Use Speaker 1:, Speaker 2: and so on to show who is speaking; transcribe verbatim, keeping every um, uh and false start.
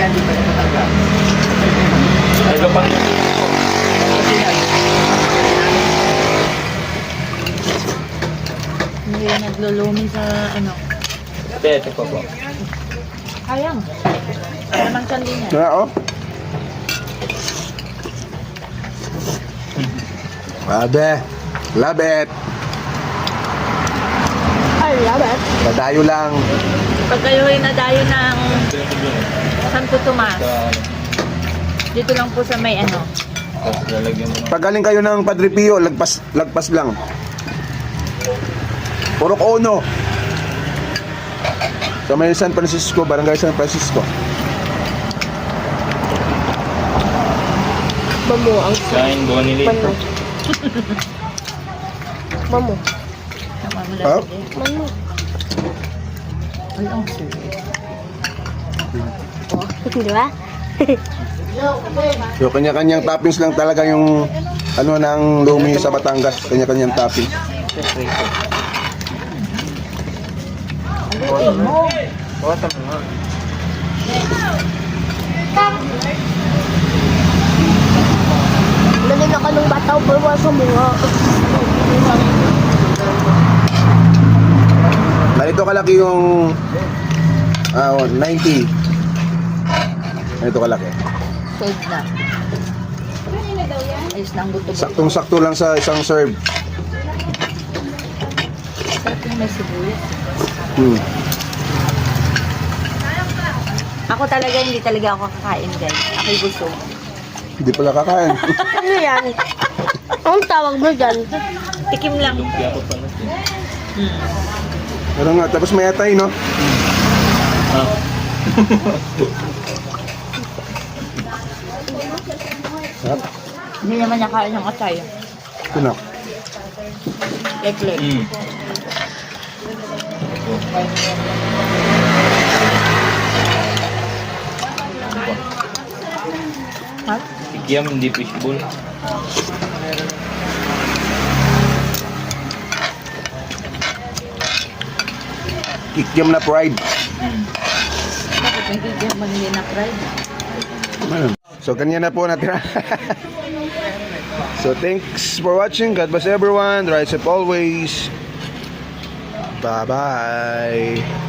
Speaker 1: yan, di pa rin matanggap.
Speaker 2: Ito pang
Speaker 1: Kasi yan.
Speaker 3: Hindi naglulumi sa ano.
Speaker 2: Ate, ito po po.
Speaker 3: Sayang. Naman kandi niya.
Speaker 4: Kaya oh. Abe, love it.
Speaker 3: I love it.
Speaker 4: Padayo lang.
Speaker 3: Pag kayo ay nadayo ng Santo Tomas, dito lang po sa may ano.
Speaker 2: Tapos lalagyan mo ng...
Speaker 4: Pag galing kayo ng Padre Pio, lagpas, lagpas lang. Purok Ono. Sa may San Francisco, Barangay San Francisco.
Speaker 5: Mamu, ang
Speaker 2: Kain, Bonnie Lee.
Speaker 5: Manu. Mamu.
Speaker 3: Namamula
Speaker 4: Ah?
Speaker 3: sa din.
Speaker 5: Manu.
Speaker 3: Ay, ang sweet.
Speaker 5: Oh, di ba?
Speaker 4: So, kanya-kanyang toppings lang talaga yung ano ng lumi sa Batangas. Kanya-kanyang toppings.
Speaker 3: Ay, mo.
Speaker 2: Bota mo nga.
Speaker 5: Lagyan ako ng bataw bawa sa mga.
Speaker 4: Ganito kalaki yung ah, ninety. Ganito kalaki.
Speaker 3: Sold na. Ayos na ang buto.
Speaker 4: Saktong-sakto lang sa isang serve.
Speaker 3: Sarap yung may sibuyas.
Speaker 4: Hmm.
Speaker 3: Ako talaga, hindi talaga ako kakain, guys. Ako'y busog.
Speaker 4: Hindi pala kakain.
Speaker 5: Ano yan? Anong tawag mo dyan?
Speaker 3: Tikim lang.
Speaker 2: Lumpia ko pala.
Speaker 3: Hmm.
Speaker 4: Pero nga, tapos may atay, no?
Speaker 2: Ah.
Speaker 4: Sarap.
Speaker 3: Hindi naman niya kain ng atay.
Speaker 4: Ito na.
Speaker 3: Leg-leg.
Speaker 2: Mm.
Speaker 3: Ha?
Speaker 2: Kikiam, hindi fishbowl.
Speaker 4: Kikiam na fried.
Speaker 3: Bakit may kikip man hindi na fried?
Speaker 4: Ano? So, kanya na po natira. So, thanks for watching. God bless everyone. Rise up always. Bye-bye.